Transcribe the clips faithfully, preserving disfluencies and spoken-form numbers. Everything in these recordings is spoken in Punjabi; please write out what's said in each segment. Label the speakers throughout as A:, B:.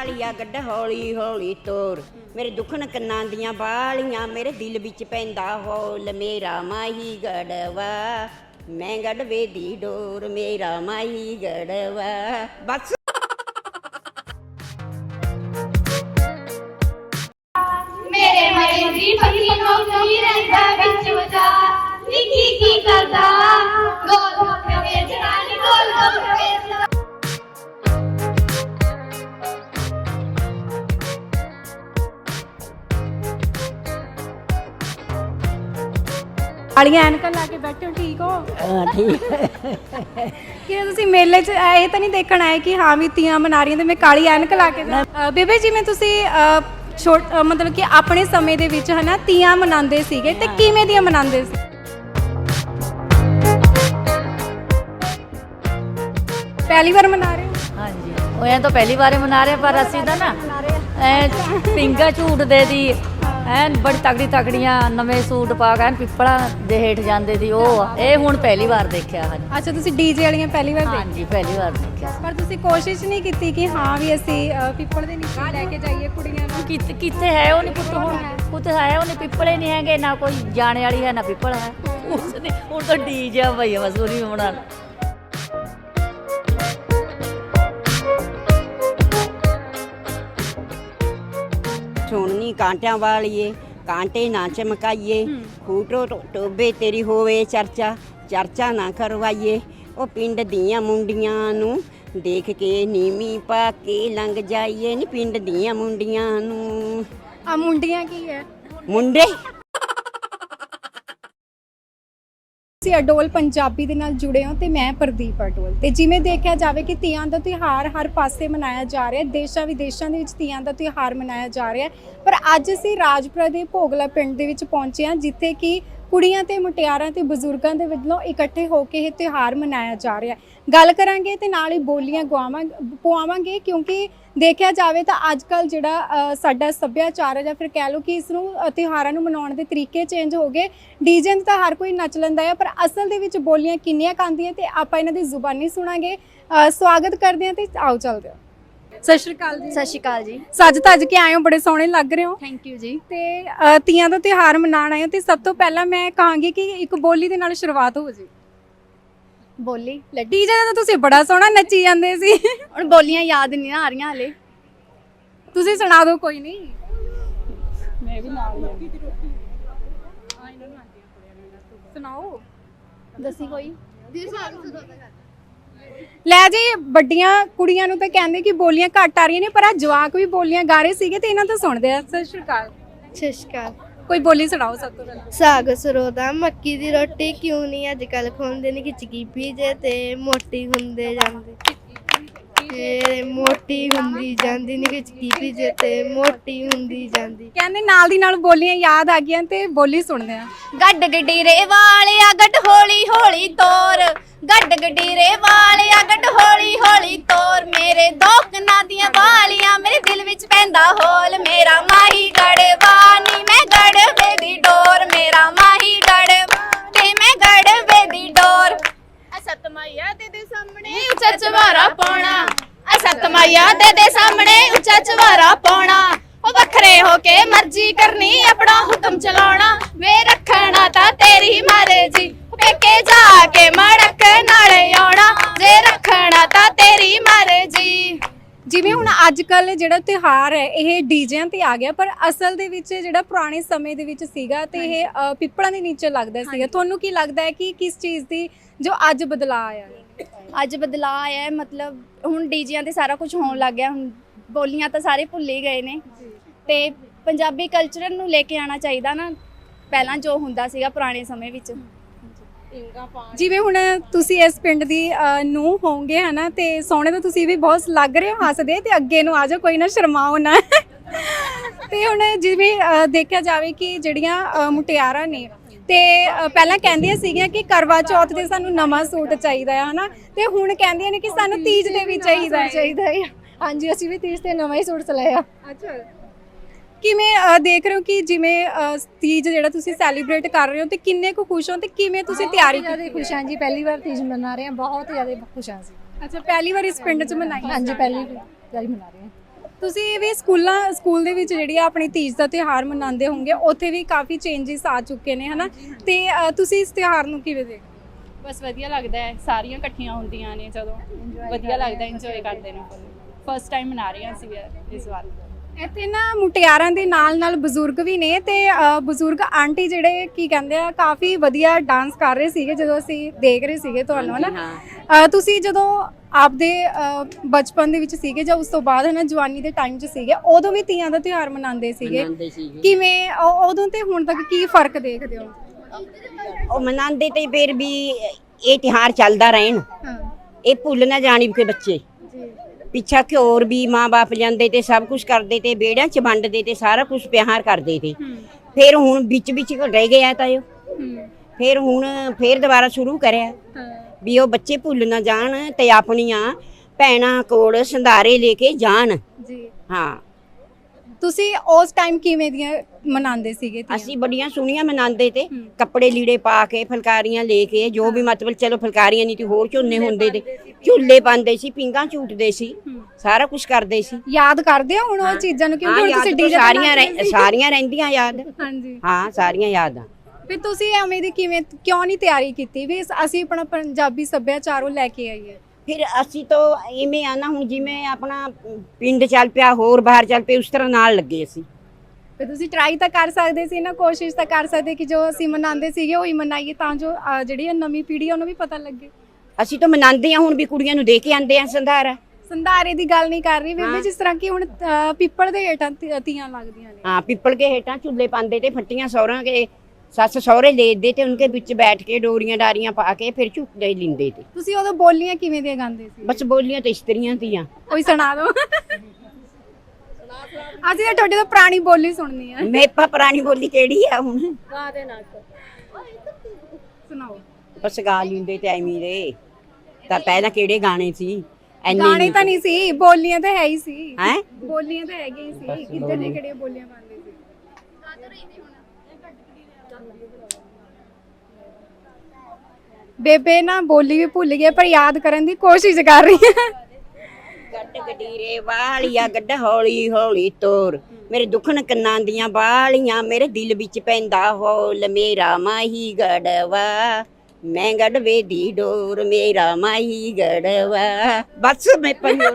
A: ਵਾਲੀਆ ਗੱਡ ਹੌਲੀ ਹੌਲੀ ਤੋਰ ਮੇਰੇ ਦੁੱਖਣ ਕੰਨਾਂ ਦੀਆਂ ਬਾਲੀਆਂ ਮੇਰੇ ਦਿਲ ਵਿੱਚ ਪੈਂਦਾ ਹੌਲ ਮੇਰਾ ਮਾਹੀ ਗੜਵਾ ਮੈਂ ਗੜਵੇ ਦੀ ਡੋਰ ਮੇਰਾ ਮਾਹੀ ਗੜਵਾ ਬਸ
B: ਮੇਰੇ ਮਰੇ ਦੀ ਪੱਕੀ ਨੌਕਰੀ ਰਹਿੰਦਾ ਵਿੱਚ ਵਿਚਾਰ ਨਿੱਕੀ ਕੀ ਕਰਦਾ ਗੋਲ ਗੱਪੇ ਵੇਚਦਾ ਨੀ ਗੋਲ ਗੱਪੇ ਵੇਚਦਾ
C: ਕਾਲੀਆਂ ਐਨਕਾਂ ਲਾ ਕੇ ਬੈਠੇ ਹੋ, ਠੀਕ ਹੋ?
A: ਹਾਂ ਠੀਕ
C: ਕਿ ਤੁਸੀਂ ਮੇਲੇ 'ਚ ਇਹ ਤਾਂ ਨਹੀਂ ਦੇਖਣ ਆਏ ਕਿ ਹਾਂ ਵੀ ਤੀਆਂ ਮਨਾ ਰਹੀਆਂ ਤੇ ਮੈਂ ਕਾਲੀ ਐਨਕ ਲਾ ਕੇ ਜਾ- ਅ, ਬੇਬੇ ਜਿਵੇਂ ਤੁਸੀਂ ਅ, ਛੋਟ ਅ, ਮਤਲਬ ਕਿ ਆਪਣੇ ਸਮੇਂ ਦੇ ਵਿੱਚ ਹਨਾ ਤੀਆਂ ਮਨਾਉਂਦੇ ਸੀਗੇ ਤੇ ਕਿਵੇਂ ਦੀਆਂ ਮਨਾਉਂਦੇ ਸੀ? ਪਹਿਲੀ ਵਾਰ ਮਨਾ ਰਹੇ ਹੋ?
D: ਹਾਂਜੀ ਉਹ ਐਂ ਤਾਂ ਪਹਿਲੀ ਵਾਰ ਮਨਾ ਰਹੇ ਪਰ ਅਸੀਂ ਤਾਂ ਨਾ ਐ ਪਿੰਗਾ ਝੂਟਦੇ ਦੀ ਐਨ ਬੜੀ ਤਗੜੀ ਤਗੜੀਆਂ ਨਵੇਂ ਸੂਟ ਪਾ ਕੇ ਐਨ ਪਿੱਪਲਾਂ ਦੇ ਹੇਠ ਜਾਂਦੇ ਦੀ ਉਹ ਆ। ਇਹ ਹੁਣ ਪਹਿਲੀ ਵਾਰ ਦੇਖਿਆ ਹਾਂਜੀ
C: ਅੱਛਾ ਤੁਸੀਂ ਡੀਜੇ ਵਾਲੀਆਂ ਪਹਿਲੀ ਵਾਰ ਦੇਖੀ?
D: ਹਾਂਜੀ ਪਹਿਲੀ ਵਾਰ ਦੇਖਿਆ
C: ਪਰ ਤੁਸੀਂ ਕੋਸ਼ਿਸ਼ ਨਹੀਂ ਕੀਤੀ ਕਿ ਹਾਂ ਵੀ ਅਸੀਂ ਅ, ਪਿੱਪਲ ਦੇ ਨੀਚੇ ਲੈ ਕੇ ਜਾਈਏ ਕੁੜੀਆਂ ਨੂੰ?
D: ਕਿੱਥੇ ਕਿੱਥੇ ਹੈ ਉਹ ਨਹੀਂ ਪੁੱਤ ਹੁਣ ਪੁੱਤ ਹੈ ਉਹ ਨਹੀਂ ਪਿੱਪਲੇ ਨਹੀਂ ਹੈਗੇ ਨਾ ਕੋਈ ਜਾਣੇ ਵਾਲੀ ਹੈ ਨਾ ਪਿੱਪਲ ਹੈ ਉਸਨੇ ਹੁਣ ਤਾਂ ਡੀਜੇ ਭਈਆ ਬਸ ਉਹਦੀ ਬਣਾਉਣ
A: ਸੁਣਨੀ ਕਾਂਟਿਆਂ ਵਾਲੀਏ ਕਾਂਟੇ ਨਾ ਚਮਕਾਈਏ ਖੂਟੋ ਟੋਬੇ ਤੇਰੀ ਹੋਵੇ ਚਰਚਾ ਚਰਚਾ ਨਾ ਕਰਵਾਈਏ ਉਹ ਪਿੰਡ ਦੀਆਂ ਮੁੰਡੀਆਂ ਨੂੰ ਦੇਖ ਕੇ ਨੀਵੀਂ ਪਾ ਕੇ ਲੰਘ ਜਾਈਏ ਨੀ ਪਿੰਡ ਦੀਆਂ ਮੁੰਡੀਆਂ ਨੂੰ
C: ਆ ਮੁੰਡੀਆਂ ਕੀ ਹੈ?
A: ਮੁੰਡੇ
C: ਤੁਸੀਂ ਅਡੋਲ ਪੰਜਾਬੀ ਦੇ ਨਾਲ ਜੁੜੇ ਹੋ ਤੇ ਮੈਂ ਪ੍ਰਦੀਪ ਅਡੋਲ ਤੇ ਜਿਵੇਂ ਦੇਖਿਆ ਜਾਵੇ ਕਿ ਤੀਆਂ ਦਾ ਤਿਉਹਾਰ ਹਰ ਪਾਸੇ ਮਨਾਇਆ ਜਾ ਰਿਹਾ ਹੈ, ਦੇਸ਼ਾਂ ਵਿਦੇਸ਼ਾਂ ਦੇ ਵਿੱਚ ਤੀਆਂ ਦਾ ਤਿਉਹਾਰ ਮਨਾਇਆ ਜਾ ਰਿਹਾ ਹੈ, ਪਰ ਅੱਜ ਅਸੀਂ ਰਾਜਪੁਰਾ ਦੇ ਭੋਗਲਾ ਪਿੰਡ ਦੇ ਵਿੱਚ ਪਹੁੰਚੇ ਹਾਂ ਜਿੱਥੇ ਕਿ ਕੁੜੀਆਂ ਤੇ ਮੁਟਿਆਰਾਂ ਤੇ ਬਜ਼ੁਰਗਾਂ ਦੇ ਵੱਲੋਂ ਇਕੱਠੇ ਹੋ ਕੇ ਇਹ ਤਿਉਹਾਰ ਮਨਾਇਆ ਜਾ ਰਿਹਾ ਹੈ। ਗੱਲ ਕਰਾਂਗੇ ਤੇ ਨਾਲ ਹੀ ਬੋਲੀਆਂ ਗਵਾਵਾਂ ਪਵਾਵਾਂਗੇ ਕਿਉਂਕਿ ਦੇਖਿਆ ਜਾਵੇ ਤਾਂ ਅੱਜ ਕੱਲ ਜਿਹੜਾ ਅ, ਸਾਡਾ ਸੱਭਿਆਚਾਰ ਹੈ ਜਾਂ ਫਿਰ ਕਹਿ ਲਓ ਕਿ ਇਸ ਨੂੰ ਅ, ਤਿਉਹਾਰਾਂ ਨੂੰ ਮਨਾਉਣ ਦੇ ਤਰੀਕੇ ਚੇਂਜ ਹੋ ਗਏ। ਡੀਜੇ ਤਾਂ ਹਰ ਕੋਈ ਨੱਚ ਲੈਂਦਾ ਹੈ ਪਰ ਅਸਲ ਦੇ ਵਿੱਚ ਬੋਲੀਆਂ ਕਿੰਨੀਆਂ ਕਾਂਦੀਆਂ ਤੇ ਆਪਾਂ ਇਹਨਾਂ ਦੀ ਜ਼ੁਬਾਨੀ ਸੁਣਾਂਗੇ। ਅ, ਸਵਾਗਤ ਕਰਦੇ ਹਾਂ ਤੇ ਆਓ ਚੱਲਦੇ ਹਾਂ। ਸਤਿ ਸ਼੍ਰੀ ਅਕਾਲ ਜੀ।
E: ਸਤਿ ਸ਼੍ਰੀ ਅਕਾਲ ਜੀ।
C: ਸੱਜ ਧੱਜ ਕੇ ਆਏ ਹੋ, ਬੜੇ ਸੋਹਣੇ ਲੱਗ ਰਹੇ ਹੋ।
E: ਥੈਂਕ ਯੂ ਜੀ।
C: ਤੇ ਅ, ਤੀਆਂ ਦਾ ਤਿਉਹਾਰ ਮਨਾਉਣ ਆਏ ਹੋ ਤੇ ਸਭ ਤੋਂ ਪਹਿਲਾਂ ਮੈਂ ਕਹਾਂਗੀ ਕਿ ਇੱਕ ਬੋਲੀ ਦੇ ਨਾਲ ਸ਼ੁਰੂਆਤ ਹੋ ਜੀ।
E: ਬੋਲੀ
C: ਡੀਜੇ ਦਾ ਤਾਂ ਤੁਸੀਂ ਬੜਾ ਸੋਹਣਾ ਨੱਚੀ ਜਾਂਦੇ ਸੀ।
E: ਹੁਣ ਬੋਲੀਆਂ ਯਾਦ ਨਹੀਂ ਆ ਰਹੀਆਂ ਹਲੇ।
C: ਤੁਸੀਂ ਸੁਣਾ ਦਿਓ ਕੋਈ ਨਹੀਂ। ਮੈਂ ਵੀ ਨਾਲ ਹੀ ਸੁਣਾਓ।
E: ਦੱਸੀ ਕੋਈ।
C: ਲੈ ਜੀ ਵੱਡੀਆਂ ਕੁੜੀਆਂ ਨੂੰ ਤਾਂ ਕਹਿੰਦੇ ਕਿ ਬੋਲੀਆਂ ਘੱਟ ਆ ਰਹੀਆਂ ਨੇ ਪਰ ਆ ਜਵਾਕ ਵੀ ਬੋਲੀਆਂ ਗਾ ਰਹੇ ਸੀਗੇ ਤੇ ਇਹਨਾਂ ਤੋਂ ਸੁਣਦੇ ਆ। ਸਤਿ ਸ਼੍ਰੀ ਅਕਾਲ।
E: ਸਤਿ ਸ਼੍ਰੀ ਅਕਾਲ।
C: ਕੋਈ ਬੋਲੀ ਸੁਣਾਓ ਸਭ ਤੋਂ ਪਹਿਲਾਂ।
E: ਸਾਗ ਸਰੋਦਾ ਮੱਕੀ ਦੀ ਰੋਟੀ ਕਿਉਂ ਨਹੀਂ ਅੱਜ ਕੱਲ ਖਾਂਦੇ ਨੇ ਖਿਚਕੀ ਪੀਜੇ ਤੇ ਮੋਟੀ ਹੁੰਦੇ ਜਾਂਦੇ ਤੇ ਮੋਟੀ ਹੁੰਦੀ ਜਾਂਦੀ ਨੀ ਖਿਚਕੀ ਪੀਜੇ ਤੇ ਮੋਟੀ ਹੁੰਦੀ ਜਾਂਦੀ।
C: ਕਹਿੰਦੇ ਨਾਲ ਦੀ ਨਾਲ ਬੋਲੀਆਂ ਯਾਦ ਆ ਗਈਆਂ ਤੇ ਬੋਲੀ ਸੁਣਦੇ ਆ।
E: ਗੱਡ ਗਡੀਰੇ ਵਾਲਿਆ ਗੱਡ ਹੌਲੀ ਹੌਲੀ ਤੋਰ ਗੱਡ ਗਡੀਰੇ ਵਾਲਿਆ ਗੱਡ ਹੌਲੀ ਹੌਲੀ ਤੋਰ ਮੇਰੇ ਦੋ ਕੰਨਾਂ ਦੀਆਂ ਵਾਲੀਆਂ ਮੇਰੇ ਦਿਲ ਵਿੱਚ ਪੈਂਦਾ ਹੋਲ ਮੇਰਾ ਮਾਹੀ ਗੜਵਾ ਨੀ ਮੈਂ ਗੜਵੇ ਦੀ ਡੋਰ ਮੇਰਾ ਮਾਹੀ ਗੜਵਾ ਤੇ ਮੈਂ ਗੜਵੇ ਦੀ ਡੋਰ ਅਸਤ ਮਾਇਆ ਦੇ ਦੇ ਸਾਹਮਣੇ ਉੱਚਾ ਚਵਾਰਾ ਪਾਉਣਾ ਅਸਤ ਮਾਇਆ ਦੇ ਦੇ ਸਾਹਮਣੇ ਉੱਚਾ ਚਵਾਰਾ ਪਾਉਣਾ ਉਹ ਵੱਖਰੇ ਹੋ ਕੇ ਮਰਜ਼ੀ ਕਰਨੀ ਆਪਣਾ ਹੁਕਮ ਚਲਾਉਣਾ ਵੇ ਰੱਖਣਾ ਤਾਂ ਤੇਰੀ ਮਰਜ਼ੀ ਪੇਕੇ ਜਾ ਕੇ ਮੜਕ ਨਾਲੇ ਆਉਣਾ ਜੇ ਰੱਖਣਾ ਤਾਂ ਤੇਰੀ ਮਰਜ਼ੀ।
C: ਜਿਵੇਂ ਹੁਣ ਅੱਜ ਕੱਲ ਜਿਹੜਾ ਤਿਉਹਾਰ ਹੈ ਇਹ ਡੀਜਿਆਂ ਤੇ ਆ ਗਿਆ ਪਰ ਅਸਲ ਦੇ ਵਿੱਚ ਜਿਹੜਾ ਪੁਰਾਣੇ ਸਮੇਂ ਦੇ ਵਿੱਚ ਸੀਗਾ ਤੇ ਇਹ ਅ, ਪਿੱਪਲਾਂ ਦੇ ਨੀਚੇ ਲੱਗਦਾ ਸੀਗਾ। ਤੁਹਾਨੂੰ ਕੀ ਲੱਗਦਾ ਹੈ ਕਿ ਕਿਸ ਚੀਜ਼ ਦੀ ਜੋ ਅੱਜ ਬਦਲਾਅ ਆਇਆ ਹੈ?
E: ਅੱਜ ਬਦਲਾਅ ਆਇਆ ਹੈ ਮਤਲਬ ਹੁਣ ਡੀਜਿਆਂ ਤੇ ਸਾਰਾ ਕੁਝ ਹੋਣ ਲੱਗ ਗਿਆ। ਹੁਣ ਬੋਲੀਆਂ ਤਾਂ ਸਾਰੇ ਭੁੱਲ ਹੀ ਗਏ ਨੇ ਤੇ ਪੰਜਾਬੀ ਕਲਚਰ ਨੂੰ ਲੈ ਕੇ ਆਉਣਾ ਚਾਹੀਦਾ ਨਾ ਪਹਿਲਾਂ ਜੋ ਹੁੰਦਾ ਸੀਗਾ ਪੁਰਾਣੇ ਸਮੇਂ ਵਿੱਚ।
C: ਜਿਵੇਂ ਹੁਣ ਤੁਸੀਂ ਇਸ ਪਿੰਡ ਦੀ ਨੂੰ ਹੋਵੋਗੇ ਹਨਾ ਤੇ ਸੋਹਣੇ ਤਾਂ ਤੁਸੀਂ ਵੀ ਬਹੁਤ ਲੱਗ ਰਹੇ ਹੋ ਹੱਸਦੇ ਤੇ ਅੱਗੇ ਨੂੰ ਆ ਜਾਓ ਕੋਈ ਨਾ ਸ਼ਰਮਾਓ ਨਾ। ਤੇ ਹੁਣ ਜਿਵੇਂ ਅ, ਦੇਖਿਆ ਜਾਵੇ ਕਿ ਜਿਹੜੀਆਂ ਅ, ਮੁਟਿਆਰਾਂ ਨੇ ਤੇ ਅ, ਪਹਿਲਾਂ ਕਹਿੰਦੀਆਂ ਸੀਗੀਆਂ ਕਿ ਕਰਵਾ ਚੌਥ ਤੇ ਸਾਨੂੰ ਨਵਾਂ ਸੂਟ ਚਾਹੀਦਾ ਹੈ ਹਨਾ ਤੇ ਹੁਣ ਕਹਿੰਦੀਆਂ ਨੇ ਕਿ ਸਾਨੂੰ ਤੀਜ ਦੇ ਵੀ ਚਾਹੀਦਾ ਹੈ।
E: ਚਾਹੀਦਾ ਹੈ। ਹਾਂਜੀ ਅਸੀਂ ਵੀ ਤੀਜ ਤੇ ਨਵਾਂ ਹੀ ਸੂਟ ਸਿਲਾਇਆ।
C: ਅੱਛਾ ਕਿਵੇਂ ਅ, ਦੇਖ ਰਹੇ ਹੋ ਕਿ ਜਿਵੇਂ ਅ, ਤੀਜ ਜਿਹੜਾ ਤੁਸੀਂ ਸੈਲੀਬ੍ਰੇਟ ਕਰ ਰਹੇ ਹੋ ਤੇ ਕਿੰਨੇ ਕੁ ਖੁਸ਼ ਹੋ ਤੇ ਕਿਵੇਂ ਤੁਸੀਂ ਤਿਆਰੀ ਕੀਤੀ?
E: ਖੁਸ਼ ਹਾਂ ਜੀ ਪਹਿਲੀ ਵਾਰ ਤੀਜ ਮਨਾ ਰਹੇ ਹਾਂ ਬਹੁਤ ਜ਼ਿਆਦਾ ਖੁਸ਼ ਹਾਂ ਅਸੀਂ।
C: ਅੱਛਾ ਪਹਿਲੀ ਵਾਰ ਇਸ ਪਿੰਡ 'ਚ ਮਨਾਈ?
E: ਹਾਂਜੀ ਪਹਿਲੀ ਵਾਰੀ ਮਨਾ ਰਹੇ ਹਾਂ।
C: ਤੁਸੀਂ ਵੀ ਸਕੂਲਾਂ ਸਕੂਲ ਦੇ ਵਿੱਚ ਜਿਹੜੀ ਆ ਆਪਣੀ ਤੀਜ ਦਾ ਤਿਉਹਾਰ ਮਨਾਉਂਦੇ ਹੋਵੋਗੇ, ਉੱਥੇ ਵੀ ਕਾਫੀ ਚੇਂਜਸ ਆ ਚੁੱਕੇ ਨੇ ਹਨਾ, ਤੇ ਅ, ਤੁਸੀਂ ਇਸ ਤਿਉਹਾਰ ਨੂੰ ਕਿਵੇਂ ਦੇਖਦੇ ਹੋ?
F: ਬਸ ਵਧੀਆ ਲੱਗਦਾ ਹੈ, ਸਾਰੀਆਂ ਇਕੱਠੀਆਂ ਹੁੰਦੀਆਂ ਨੇ ਜਦੋਂ ਵਧੀਆ ਲੱਗਦਾ, ਇੰਜੋਏ ਕਰਦੇ ਨੇ। ਫਸਟ ਟਾਈਮ ਮਨਾ ਰਹੀਆਂ ਸੀ ਇਸ ਵਾਰ।
C: ਇੱਥੇ ਨਾ ਮੁਟਿਆਰਾਂ ਦੇ ਨਾਲ ਨਾਲ ਬਜ਼ੁਰਗ ਵੀ ਨੇ, ਤੇ ਅ, ਬਜ਼ੁਰਗ ਆਂਟੀ ਜਿਹੜੇ ਕੀ ਕਹਿੰਦੇ ਆ ਕਾਫੀ ਵਧੀਆ ਡਾਂਸ ਕਰ ਰਹੇ ਸੀਗੇ ਜਦੋਂ ਅਸੀਂ ਦੇਖ ਰਹੇ ਸੀਗੇ ਤੁਹਾਨੂੰ ਹਨਾ। ਅ, ਤੁਸੀਂ ਜਦੋਂ ਆਪਦੇ ਅ, ਬਚਪਨ ਦੇ ਵਿੱਚ ਸੀਗੇ ਜਾਂ ਉਸ ਤੋਂ ਬਾਅਦ ਹਨਾ ਜਵਾਨੀ ਦੇ ਟਾਈਮ 'ਚ ਸੀਗੇ, ਉਦੋਂ ਵੀ ਤੀਆਂ ਦਾ ਤਿਉਹਾਰ ਮਨਾਉਂਦੇ ਸੀਗੇ,
A: ਮਨਾਉਂਦੇ ਸੀਗੇ।
C: ਕਿਵੇਂ ਉਹ- ਉਦੋਂ ਤੇ ਹੁਣ ਤੱਕ ਕੀ ਫਰਕ ਦੇਖਦੇ ਹੋ?
A: ਉਹ ਮਨਾਉਂਦੇ ਤੇ ਫਿਰ ਵੀ ਇਹ ਤਿਉਹਾਰ ਚੱਲਦਾ ਰਹਿਣ,
C: ਹਾਂ
A: ਇਹ ਭੁੱਲ ਨਾ ਜਾਣੀ ਕਿ ਬੱਚੇ
C: ਜੀ
A: ਪਿੱਛਾ ਕਿ ਹੋਰ ਵੀ ਮਾਂ-ਬਾਪ ਜਾਂਦੇ ਤੇ ਸਭ ਕੁਝ ਕਰਦੇ ਤੇ ਵਿਹੜਿਆਂ 'ਚ ਵੰਡਦੇ ਤੇ ਸਾਰਾ ਕੁਝ ਪਿਆਰ ਕਰਦੇ ਤੇ।
C: ਹੂੰ
A: ਫਿਰ ਹੁਣ ਵਿੱਚ ਵਿੱਚ ਰਹਿ ਗਿਆ ਤਾਂ ਇਹ
C: ਹੂੰ
A: ਫਿਰ ਹੁਣ ਫਿਰ ਦੁਬਾਰਾ ਸ਼ੁਰੂ ਕਰਿਆ
C: ਹਾਂ
A: ਵੀ ਉਹ ਬੱਚੇ ਭੁੱਲ ਨਾ ਜਾਣ ਤੇ ਆਪਣੀਆਂ ਭੈਣਾਂ ਕੋਲ ਸੰਧਾਰੇ ਲੈ ਕੇ ਜਾਣ।
C: ਜੀ
A: ਹਾਂ
C: ਤੁਸੀਂ ਉਸ ਟਾਈਮ ਕਿਵੇਂ ਦੀਆਂ ਮਨਾਉਂਦੇ ਸੀਗੇ ਤੀਆਂ?
A: ਅਸੀਂ ਬੜੀਆਂ ਸੋਹਣੀਆਂ ਮਨਾਉਂਦੇ ਤੇ
C: ਹੂੰ।
A: ਕੱਪੜੇ ਲੀੜੇ ਪਾ ਕੇ ਫੁਲਕਾਰੀਆਂ ਲੈ ਕੇ ਜੋ ਵੀ ਮਤਲਬ ਚਲੋ ਫੁਲਕਾਰੀਆਂ ਨਹੀਂ ਤੇ ਹੋਰ ਝੋਨੇ ਹੁੰਦੇ ਤੇ ਝੂਲੇ ਪਾਉਂਦੇ ਸੀ, ਪਿੰਗਾਂ ਝੂਟਦੇ ਸੀ,
C: ਹੂੰ।
A: ਸਾਰਾ ਕੁਝ ਕਰਦੇ ਸੀ।
C: ਯਾਦ ਕਰਦੇ ਹੋ ਹੁਣ ਉਹ ਚੀਜ਼ਾਂ ਨੂੰ, ਕਿਉਂਕਿ
A: ਹਾਂ
C: ਹੁਣ
A: ਯਾਦ
C: ਤੁਸੀਂ
A: ਤਾਂ
C: ਡੀਜੇ
A: ਸਾਰੀਆਂ ਰਹਿ- ਸਾਰੀਆਂ ਰਹਿੰਦੀਆਂ ਯਾਦ।
C: ਹਾਂਜੀ
A: ਹਾਂ ਸਾਰੀਆਂ ਯਾਦ ਆ।
C: ਫਿਰ ਤੁਸੀਂ ਐਵੇਂ ਦੀ ਕਿਵੇਂ ਕਿਉਂ ਨਹੀਂ ਤਿਆਰੀ ਕੀਤੀ ਵੀ ਅਸੀਂ ਆਪਣਾ ਪੰਜਾਬੀ ਸੱਭਿਆਚਾਰ ਉਹ ਲੈ ਕੇ ਆਈਏ?
A: ਫਿਰ ਅਸੀਂ ਤਾਂ ਇਵੇਂ ਆ ਨਾ, ਹੁਣ ਜਿਵੇਂ ਆਪਣਾ ਪਿੰਡ ਚੱਲ ਪਿਆ ਹੋਰ ਬਾਹਰ ਚੱਲ ਪਏ ਉਸ ਤਰ੍ਹਾਂ ਨਾਲ ਲੱਗੇ ਅਸੀਂ।
C: ਫਿਰ ਤੁਸੀਂ ਟਰਾਈ ਤਾਂ ਕਰ ਸਕਦੇ ਸੀ ਨਾ, ਕੋਸ਼ਿਸ਼ ਤਾਂ ਕਰ ਸਕਦੇ ਕਿ ਜੋ ਅਸੀਂ ਮਨਾਉਂਦੇ ਸੀਗੇ ਉਹੀ ਮਨਾਈਏ, ਤਾਂ ਜੋ ਅਹ, ਜਿਹੜੀ ਇਹ ਨਵੀਂ ਪੀੜ੍ਹੀ ਆ ਉਹਨੂੰ ਵੀ ਪਤਾ ਲੱਗੇ।
A: ਅਸੀਂ ਤਾਂ ਮਨਾਉਂਦੇ ਆ, ਹੁਣ ਵੀ ਕੁੜੀਆਂ ਨੂੰ ਦੇ ਕੇ ਆਂਦੇ ਆ ਸੰਧਾਰਾ।
C: ਸੰਧਾਰੇ ਦੀ ਗੱਲ ਨਹੀਂ ਕਰ ਰਹੀ ਬੇਬੇ,
A: ਹਾਂ।
C: ਜਿਸ ਤਰ੍ਹਾਂ ਕਿ ਹੁਣ ਅਹ, ਪਿੱਪਲ ਦੇ ਹੇਠਾਂ ਤੀ- ਤੀਆਂ ਲੱਗਦੀਆਂ ਨੇ।
A: ਹਾਂ ਪਿੱਪਲ ਕੇ ਹੇਠਾਂ ਝੁੱਲੇ ਪਾਉਂਦੇ ਤੇ ਫੱਟੀਆਂ ਸਹੁਰਿਆਂ ਕੇ ਸੱਸ ਸਹੁਰੇ ਲੈਦੇ ਤੇ ਉਨਕੇ ਵਿੱਚ ਬੈਠ ਕੇ ਡੋਰੀਆਂ ਡਾਰੀਆਂ ਪਾ ਕੇ ਫਿਰ ਝੁੱਟਦੇ ਲਿੰਦੇ ਤੇ।
C: ਤੁਸੀਂ ਉਦੋਂ ਬੋਲੀਆਂ ਕਿਵੇਂ ਦੀਆਂ ਗਾਉਂਦੇ ਸੀ?
A: ਬਸ ਬੋਲੀਆਂ ਤੇ ਇਸਤਰੀਆਂ ਦੀਆਂ।
C: ਕੋਈ ਸੁਣਾ ਦਿਓ। ਅਸੀਂ ਤਾਂ ਤੁਹਾਡੀ ਤੋਂ ਪੁਰਾਣੀ ਬੋਲੀ ਸੁਣਨੀ ਆ।
A: ਮੇਪਾ ਪੁਰਾਣੀ ਬੋਲੀ ਕਿਹੜੀ ਆ ਹੁਣ?
C: ਸੁਣਾਓ।
A: ਬਸ ਗਾ ਲਿੰਦੇ ਤੇ ਐਵੇਂ ਦੇ। ਤਾਂ ਪਹਿਲਾਂ ਕਿਹੜੇ ਗਾਣੇ ਸੀ? ਐਨੇ
C: ਗਾਣੇ ਤਾਂ ਨਹੀਂ ਸੀ, ਬੋਲੀਆਂ ਤਾਂ ਹੈ ਹੀ ਸੀ।
A: ਹੈ
C: ਬੋਲੀਆਂ ਤਾਂ ਹੈਗੀਆਂ ਹੀ ਸੀ, ਕਿੱਧਰ ਨੇ ਕਿਹੜੀਆਂ ਬੋਲੀਆਂ ਪਾਉਂਦੇ ਸੀ? ਬੇਬੇ ਨਾ ਬੋਲੀ ਵੀ ਭੁੱਲ ਗਈ ਪਰ ਯਾਦ ਕਰਨ ਦੀ ਕੋਸ਼ਿਸ਼ ਕਰ ਰਹੀ ਹੈ।
A: ਗੱਡ ਗਡੀਰੇ ਵਾਲੀਆ ਗੱਡ ਹੌਲੀ ਹੌਲੀ ਤੋਰ, ਮੇਰੇ ਦੁਖਣ ਕੰਨਾਂ ਦੀਆਂ ਬਾਲੀਆਂ, ਮੇਰੇ ਦਿਲ ਵਿੱਚ ਪੈਂਦਾ ਹੌਲ, ਮੇਰਾ ਮਾਹੀ ਗੜਵਾ ਮੈਂ ਗੜਵੇ ਦੀ ਡੋਰ, ਮੇਰਾ ਮਾਹੀ ਗੜਵਾ। ਬਸ ਮੈਂ ਪੰਜੋ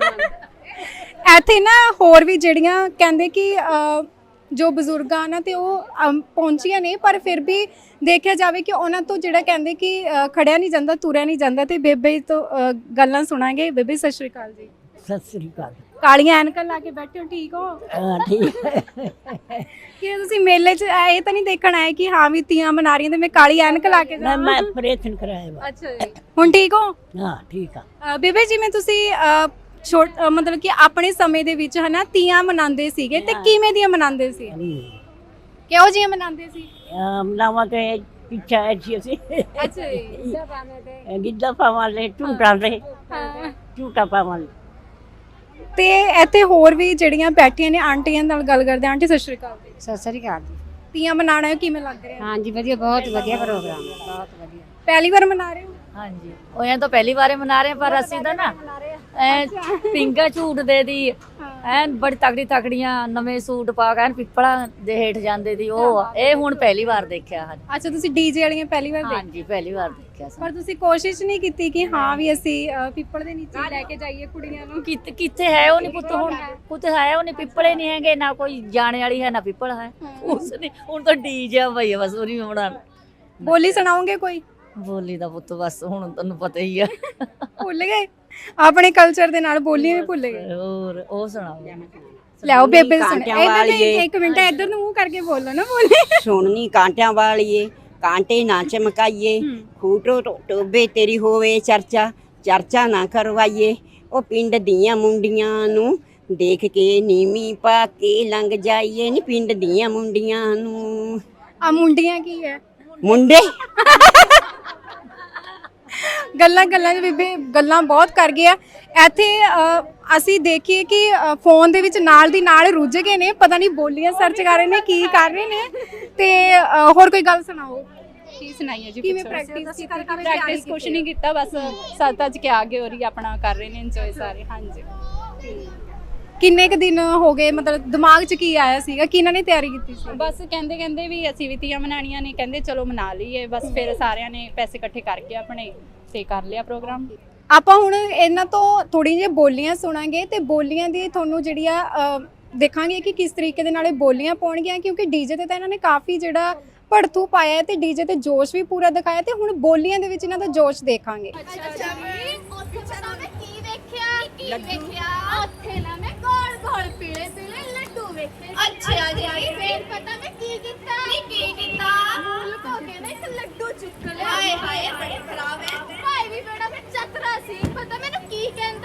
C: ਇੱਥੇ ਨਾ ਹੋਰ ਵੀ ਜਿਹੜੀਆਂ ਕਹਿੰਦੇ ਕਿ ਅਹ, ਜੋ ਬਜ਼ੁਰਗਾਂ ਨਾ ਤੇ ਉਹ ਅਮ, ਪਹੁੰਚੀਆਂ ਨੇ, ਪਰ ਫਿਰ ਵੀ ਦੇਖਿਆ ਜਾਵੇ ਕਿ ਉਹਨਾਂ ਤੋਂ ਜਿਹੜਾ ਕਹਿੰਦੇ ਕਿ ਅਹ, ਖੜਿਆ ਨਹੀਂ ਜਾਂਦਾ, ਤੁਰਿਆ ਨਹੀਂ ਜਾਂਦਾ, ਤੇ ਬੇਬੇ ਤੋਂ ਅਹ, ਗੱਲਾਂ ਸੁਣਾਂਗੇ। ਬੇਬੇ ਸਤਿ ਸ਼੍ਰੀ ਅਕਾਲ ਜੀ।
G: ਸਤਿ ਸ੍ਰੀ ਅਕਾਲ।
C: ਕਾਲੀਆਂ ਐਨਕਾਂ ਲਾ ਕੇ ਬੈਠੇ ਹੋ, ਠੀਕ ਹੋ?
G: ਹਾਂ ਠੀਕ ਹੈ।
C: ਕਿ ਤੁਸੀਂ ਮੇਲੇ 'ਚ ਆਏ ਇਹ ਤਾਂ ਨਹੀਂ ਦੇਖਣ ਆਏ ਕਿ ਹਾਂ ਵੀ ਤੀਆਂ ਮਨਾ ਰਹੀਆਂ ਤੇ ਮੈਂ ਕਾਲੀ ਐਨਕ ਲਾ ਕੇ
G: ਮੈਂ
C: ਜਾਵਾਂ?
G: ਮੈਂ ਆਪਰੇਸ਼ਨ ਕਰਾਇਆ ਵਾ।
C: ਅੱਛਾ ਜੀ, ਹੁਣ ਠੀਕ ਹੋ?
G: ਹਾਂ ਠੀਕ ਆ।
C: ਅਹ, ਬੇਬੇ ਜਿਵੇਂ ਤੁਸੀਂ ਅਹ, ਛੋਟ ਅਹ, ਮਤਲਬ ਕਿ ਆਪਣੇ ਸਮੇਂ ਦੇ ਵਿੱਚ ਹਨਾ ਤੀਆਂ ਮਨਾਉਂਦੇ ਸੀਗੇ, ਤੇ ਕਿਵੇਂ ਦੀਆਂ ਮਨਾਉਂਦੇ ਸੀ? ਕਿਹੋ ਜਿਹੀਆਂ ਮਨਾਉਂਦੇ ਸੀ?
G: ਮਨਾਵਾ ਤੇ ਪਿੱਛਾ ਐਸੀ ਅਸੀਂ
C: ਅੱਛਾ ਜੀ।
G: ਗਿੱਧਾ ਪਾਵਾਂਗੇ, ਝੂਟਾਂ ਦੇ
C: ਹਾਂ।
G: ਝੂਟਾ ਪਾਵਾਂਗੇ।
C: ਤੇ ਇੱਥੇ ਹੋਰ ਵੀ ਜਿਹੜੀਆਂ ਬੈਠੀਆਂ ਨੇ ਆਂਟੀਆਂ ਨਾਲ ਗੱਲ ਕਰਦੇ। ਆਂਟੀ ਸਤਿ ਸ਼੍ਰੀ ਅਕਾਲ ਜੀ।
H: ਸਤਿ ਸ੍ਰੀ ਅਕਾਲ ਜੀ।
C: ਤੀਆਂ ਮਨਾਣਾ ਕਿਵੇਂ ਲੱਗ ਰਿਹਾ?
H: ਹਾਂਜੀ ਵਧੀਆ, ਬਹੁਤ ਵਧੀਆ ਪ੍ਰੋਗਰਾਮ ਹੈ, ਬਹੁਤ ਵਧੀਆ।
C: ਪਹਿਲੀ ਵਾਰ ਮਨਾ ਰਹੇ ਹੋ?
D: ਹਾਂਜੀ ਉਹ ਐਂ ਤਾਂ ਪਹਿਲੀ ਵਾਰੇ ਮਨਾ ਰਹੇ ਪਰ ਅਸੀਂ ਤਾਂ ਨਾ ਐ ਪਿੰਗਾ ਝੂਟਦੇ ਦੀ ਐਨ ਬੜੀ ਤਗੜੀ ਤਗੜੀਆਂ ਨਵੇਂ ਸੂਟ ਪਾ ਕੇ ਐਨ ਪਿੱਪਲਾਂ ਦੇ ਹੇਠ ਜਾਂਦੇ ਦੀ ਉਹ ਆ। ਇਹ ਹੁਣ ਪਹਿਲੀ ਵਾਰ ਦੇਖਿਆ। ਹਾਂਜੀ
C: ਅੱਛਾ, ਤੁਸੀਂ ਡੀਜੇ ਵਾਲੀਆਂ ਪਹਿਲੀ ਵਾਰ ਦੇਖ?
D: ਹਾਂਜੀ ਪਹਿਲੀ ਵਾਰ ਦੇਖਿਆ ਸੀ।
C: ਪਰ ਤੁਸੀਂ ਕੋਸ਼ਿਸ਼ ਨਹੀਂ ਕੀਤੀ ਕਿ ਹਾਂ ਵੀ ਅਸੀਂ ਅਹ, ਪਿੱਪਲ ਦੇ ਨੀਚੇ ਲੈ ਕੇ ਜਾਈਏ ਕੁੜੀਆਂ ਨੂੰ?
D: ਕਿੱਥੇ ਕਿੱਥੇ ਹੈ ਉਹ ਨਹੀਂ ਪੁੱਤ, ਹੁਣ ਪੁੱਤ ਹੈ ਉਹ ਨਹੀਂ, ਪਿੱਪਲੇ ਨਹੀਂ ਹੈਗੇ, ਨਾ ਕੋਈ ਜਾਣੇ ਵਾਲੀ ਹੈ ਨਾ ਪਿੱਪਲ ਹੈ। ਉਸ ਨੇ ਹੁਣ ਤਾਂ ਡੀਜੇ ਭਈ ਬਸ ਉਹ ਨਹੀਂ ਹੋਣਾ।
C: ਬੋਲੀ ਸੁਣਾਓਗੇ ਕੋਈ?
D: ਬੋਲੀ ਦਾ ਪੁੱਤ ਬਸ ਹੁਣ ਤੁਹਾਨੂੰ ਪਤਾ ਹੀ ਆ।
C: ਭੁੱਲ ਗਏ ਆਪਣੇ ਕਲਚਰ ਦੇ ਨਾਲ, ਬੋਲੀ ਵੀ ਭੁੱਲ ਗਏ।
D: ਹੋਰ ਉਹ ਸੁਣਾਓ।
C: ਲਿਆਓ ਬੇਬੇ ਸੁਣ।
A: ਕਾਂਟਿਆਂ
C: ਇੱਧਰ
A: ਵਾਲੀਏ।
C: ਇੱਕ ਮਿੰਟ ਇੱਧਰ ਨੂੰ ਮੂੰਹ ਕਰਕੇ ਬੋਲੋ ਨਾ, ਬੋਲੀ।
A: ਸੁਣਨੀ ਕਾਂਟਿਆਂ ਵਾਲੀਏ, ਕਾਂਟੇ ਨਾ ਚਮਕਾਈਏ, ਖੂਟੋ ਟੋਬੇ ਤੇਰੀ ਹੋਵੇ ਚਰਚਾ, ਚਰਚਾ ਨਾ ਕਰਵਾਈਏ, ਉਹ ਪਿੰਡ ਦੀਆਂ ਮੁੰਡੀਆਂ ਨੂੰ ਦੇਖ ਕੇ ਨੀਵੀਂ ਪਾ ਕੇ ਲੰਘ ਜਾਈਏ, ਨੀ ਪਿੰਡ ਦੀਆਂ ਮੁੰਡੀਆਂ ਨੂੰ।
C: ਆ ਮੁੰਡੀਆਂ ਕੀ ਹੈ?
A: ਮੁੰਡੇ
C: ਗੱਲਾਂ ਗੱਲਾਂ 'ਚ ਬੀਬੀ ਗੱਲਾਂ ਬਹੁਤ ਕਰ ਗਿਆ। ਇੱਥੇ ਅਹ, ਅਸੀਂ ਦੇਖੀਏ ਕਿ ਅਹ, ਫੋਨ ਦੇ ਵਿੱਚ ਨਾਲ ਦੀ ਨਾਲ ਰੁੱਝ ਗਏ ਨੇ, ਪਤਾ ਨਹੀਂ ਬੋਲੀਆਂ ਸਰਚ ਕਰ ਰਹੇ ਨੇ, ਕੀ ਕਰ ਰਹੇ ਨੇ। ਤੇ ਅਹ, ਹੋਰ ਕੋਈ ਗੱਲ ਸੁਣਾਓ।
F: ਕੀ ਸੁਣਾਈਏ ਜੀ?
C: ਕਿਵੇਂ
F: ਪੁੱਛੋ।
C: ਪ੍ਰੈਕਟਿਸ ਕੀਤੀ? ਕਿਵੇਂ
F: ਪ੍ਰੈਕਟਿਸ ਕੁਛ ਨਹੀਂ ਕੀਤਾ, ਬਸ ਸੱਤ ਅੱਜ ਕੇ ਆਗੇ ਹੋ ਰਹੀ ਆਪਣਾ ਕਰ ਰਹੇ ਨੇ ਇੰਜੋਏ ਸਾਰੇ। ਹਾਂਜੀ
C: ਕਿੰਨੇ ਕ ਦਿਨ ਹੋ ਗਏ, ਮਤਲਬ ਦਿਮਾਗ 'ਚ ਕੀ ਆਇਆ ਸੀਗਾ, ਕਿਹਨਾਂ ਨੇ ਤਿਆਰੀ ਕੀਤੀ ਸੀ?
F: ਬਸ ਕਹਿੰਦੇ ਕਹਿੰਦੇ ਵੀ ਅਸੀਂ ਵੀ ਤੀਆਂ ਮਨਾਣੀਆਂ ਨੇ, ਕਹਿੰਦੇ ਚਲੋ ਮਨਾ ਲਈਏ ਬਸ। ਫਿਰ ਸਾਰਿਆਂ ਨੇ ਪੈਸੇ ਇਕੱਠੇ ਕਰਕੇ ਆਪਣੇ ਤੇ ਕਰ ਲਿਆ ਪ੍ਰੋਗਰਾਮ।
C: ਆਪਾਂ ਹੁਣ ਇਹਨਾਂ ਤੋਂ ਥੋੜੀ ਜਿਹੀ ਬੋਲੀਆਂ ਸੁਣਾਂਗੇ ਤੇ ਬੋਲੀਆਂ ਦੀ ਤੁਹਾਨੂੰ ਜਿਹੜੀ ਆ ਅ, ਦੇਖਾਂਗੇ ਕਿ ਕਿਸ ਤਰੀਕੇ ਦੇ ਨਾਲ ਇਹ ਬੋਲੀਆਂ ਪਾਉਣਗੀਆਂ, ਕਿਉਂਕਿ ਡੀਜੇ ਤੇ ਤਾਂ ਇਹਨਾਂ ਨੇ ਕਾਫੀ ਜਿਹੜਾ ਭੜਥੂ ਪਾਇਆ ਹੈ ਤੇ ਡੀਜੇ ਤੇ ਜੋਸ਼ ਵੀ ਪੂਰਾ ਦਿਖਾਇਆ, ਤੇ ਹੁਣ ਬੋਲੀਆਂ ਦੇ ਵਿੱਚ ਇਹਨਾਂ ਦਾ ਜੋਸ਼ ਦੇਖਾਂਗੇ।
E: ਅੱਛਾ ਵੀ ਉੱਥੇ ਪਤਾ ਮੈਂ ਕੀ ਵੇਖਿਆ ਕੀ ਵੇਖਿਆ ਉੱਥੇ ਨਾ ਮੈਂ ਗੋਲ ਗੋਲ ਪੀਲੇ ਪੀਲੇ ਲੱਡੂ ਵੇਖੇ। ਅੱਛਾ ਜੀ ਫੇਰ ਪਤਾ ਮੈਂ ਕੀ ਕੀਤਾ ਕੀ ਕੀ ਕੀਤਾ ਮੂਲ ਕੋ ਕੇ ਨਾ ਇੱਕ ਲੱਡੂ ਚੁੱਕ ਲਿਆ। ਹਾਏ ਹਾਏ ਬੜੇ ਖਰਾਬ ਹੈ ਭਾਈ ਵੀ ਬੜਾ ਫਿਰ ਚਤਰਾ ਸੀ। ਪਤਾ ਮੈਨੂੰ ਕੀ ਕਹਿੰਦਾ